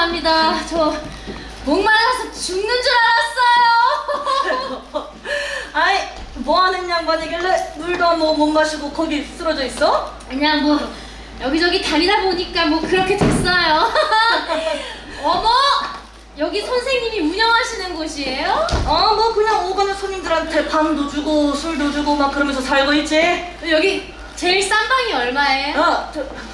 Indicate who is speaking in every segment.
Speaker 1: 죄송합니다. 저 목말라서 죽는 줄 알았어요.
Speaker 2: 아이, 뭐하는 양반이길래 물도 안 먹어 못 마시고 거기 쓰러져 있어?
Speaker 1: 그냥 뭐 여기저기 다니다 보니까 뭐 그렇게 됐어요. 어머! 여기 선생님이 운영하시는 곳이에요?
Speaker 2: 뭐 그냥 오가는 손님들한테 방도 주고 술도 주고 막 그러면서 살고 있지.
Speaker 1: 여기 제일 싼 방이 얼마예요?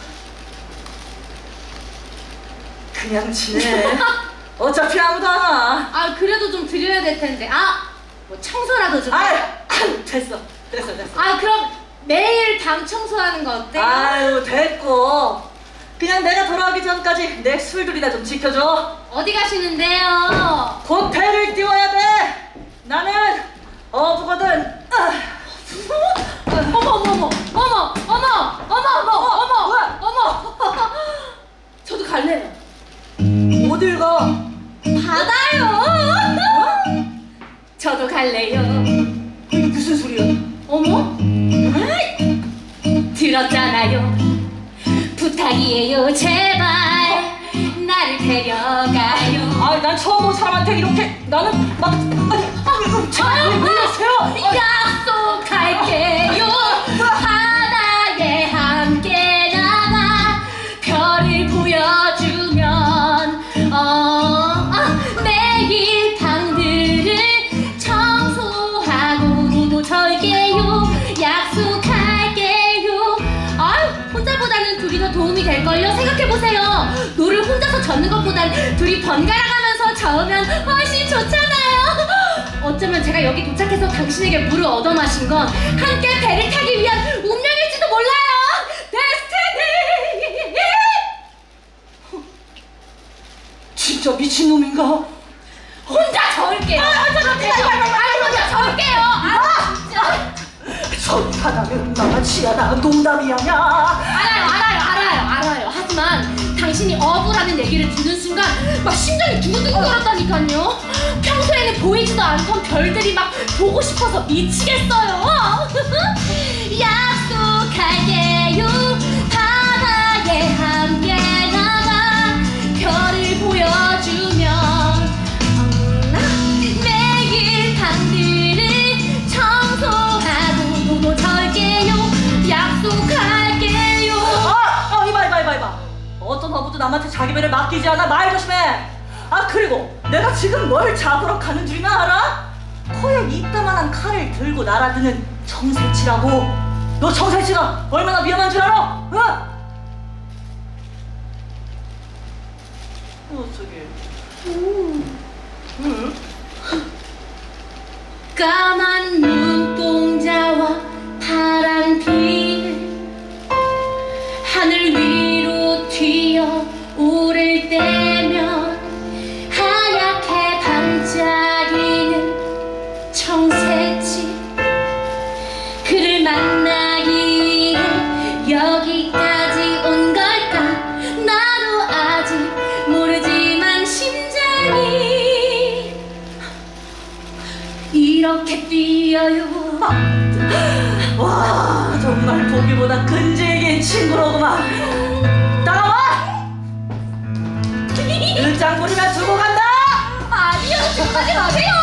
Speaker 2: 그냥 지내. 어차피 아무도 안 와.
Speaker 1: 아 그래도 좀 드려야 될 텐데. 뭐 청소라도 좀.
Speaker 2: 됐어.
Speaker 1: 그럼 매일 방 청소하는 거 어때요?
Speaker 2: 아유, 됐고. 그냥 내가 돌아오기 전까지 내 술들이나 좀 지켜줘.
Speaker 1: 어디 가시는데요?
Speaker 2: 곧 배를 띄워야 돼. 나는 어부거든.
Speaker 1: 어머. 저도 갈래요.
Speaker 2: 어딜 가?
Speaker 1: 바다요. 저도 갈래요.
Speaker 2: 이게 무슨 소리야?
Speaker 1: 어머? 들었잖아요. 부탁이에요. 제발 나를 데려가요.
Speaker 2: 난 처음 본 사람한테 이렇게 나는 막 왜 이러세요?
Speaker 1: 약속할게요. 바다에 함께 나가 별을 보여주면 매일 방들을 청소하고 노도 절게요. 약속할게요. 혼자보다는 둘이 더 도움이 될걸요. 생각해보세요. 노를 혼자서 젓는 것보단 둘이 번갈아 가면서 저으면 훨씬 좋잖아요. 어쩌면 제가 여기 도착해서 당신에게 물을 얻어 마신 건 함께 배를 타기 위한 운명일지도 몰라요. 데스티니!
Speaker 2: 진짜 미친놈인가?
Speaker 1: 혼자 저을게요. 혼자 저을게요. 진짜.
Speaker 2: 천사다는 나치야나 농담이 아냐.
Speaker 1: 알아요. 하지만 당신이 어부라는 얘기를 듣는 순간 막 심장이 두근두근거렸다니까요. 평소에는 보이지도 않던 별들이 막 보고 싶어서 미치겠어요. 약속할게요. 바다에 함께 나가 별을 보여주면 매일 방들을 청소하고 노도 절게요. 약속할게요.
Speaker 2: 이봐. 어떤 어부도 남한테 자기 배를 맡기지 않아. 말 조심해. 그리고 내가 지금 뭘 잡으러 가는 줄이나 알아? 코에 이따만한 칼을 들고 날아드는 청새치라고. 너 청새치가 얼마나 위험한 줄 알아? 저기.
Speaker 1: 까만 눈동자와 파란 빛 하늘 위로 튀어 오를 때면 하얗게 반짝이는 청새치 그를 만나기 위해 여기까지 온 걸까. 나도 아직 모르지만 심장이 이렇게 뛰어요.
Speaker 2: 와, 정말 보기보다 끈질긴 친구로구만. 따라와! 늦장 부리면 두고 간다!
Speaker 1: 아니요, 지금 가지 마세요.